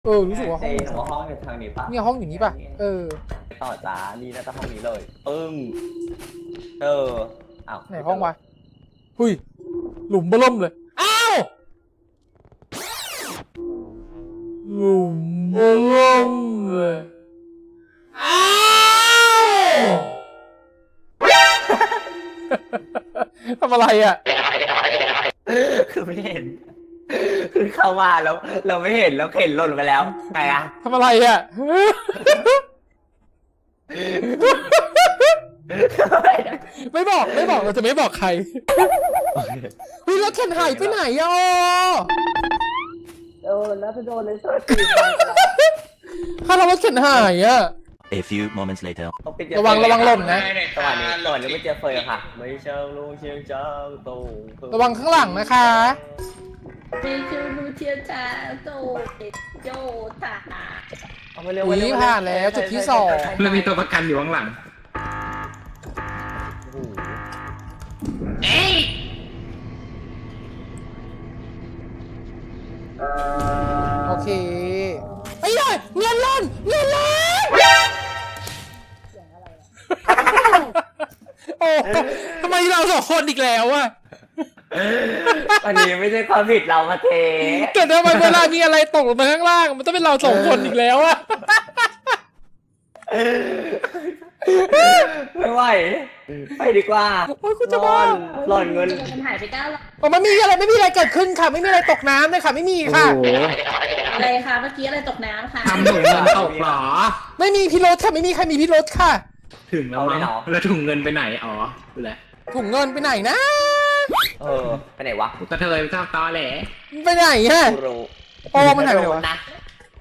รู้สึกว่าห้องห้องอยู่ทางนี้ปะเนี่ยห้องอย่างนี้ป่ะต่อจ้านี่น่าจะห้องนี้เลยปึ้งอ้าวไหนห้องวะหุยหลุมเบิ่มเลยอ้าวหลุมเบิ่มเลยอ้าวทำอะไรอ่ะคือไม่เห็นคือเข้ามาแล้วเราไม่เห็นแล้วเห็นหล่นไปแล้วไงอะทำอะไรอ่ะไม่บอกเราจะไม่บอกใครเฮ้ยแล้วเข็นหายไปไหนอ่ะแล้วไปโดนเลยสักถ้าเราว่าเข็นหายอ่ะ A few moments later. ระวังหล่นนะสวัสดีไม่เจอเฟยค่ะไม่เชิงลุงเชียงเจ้าตูระวังข้างหลังนะคะไม่ชื่อลูเทียจาโตโจตาอุ้ยผ่านแล้วจุดที่ 2 แล้วมีตัวประกันอยู่ข้างหลังโอเคไอ้หน่อยเงินล่นโอ้ทำไมเราสองคนอีกแล้วอะวันนี้ไม่ใช่ความผิดเรามาเทแต่ทำไมเวลามีอะไรตกลงมาข้างล่างมันต้องเป็นเราสองคนอีกแล้วอะไม่ไหวไปดีกว่าโอ้ยคุณจะบ้าหล่อนเงินมันหายไป9 ไม่มีอะไรเกิดขึ้นค่ะไม่มีอะไรตกน้ำเลยค่ะไม่มีค่ะอะไรคะเมื่อกี้อะไรตกน้ำค่ะทำถุงเงินตกเหรอไม่มีพิรุธค่ะไม่มีใครมีพิรุธค่ะถึงแล้วมั้งแล้วถุงเงินไปไหนอ๋อดูแลถุงเงินไปไหนนะไปไหนวะกระเทยเจ้าตอแหลไปไหนฮะกูรู้โอ้มันหายไปไหนวะนะ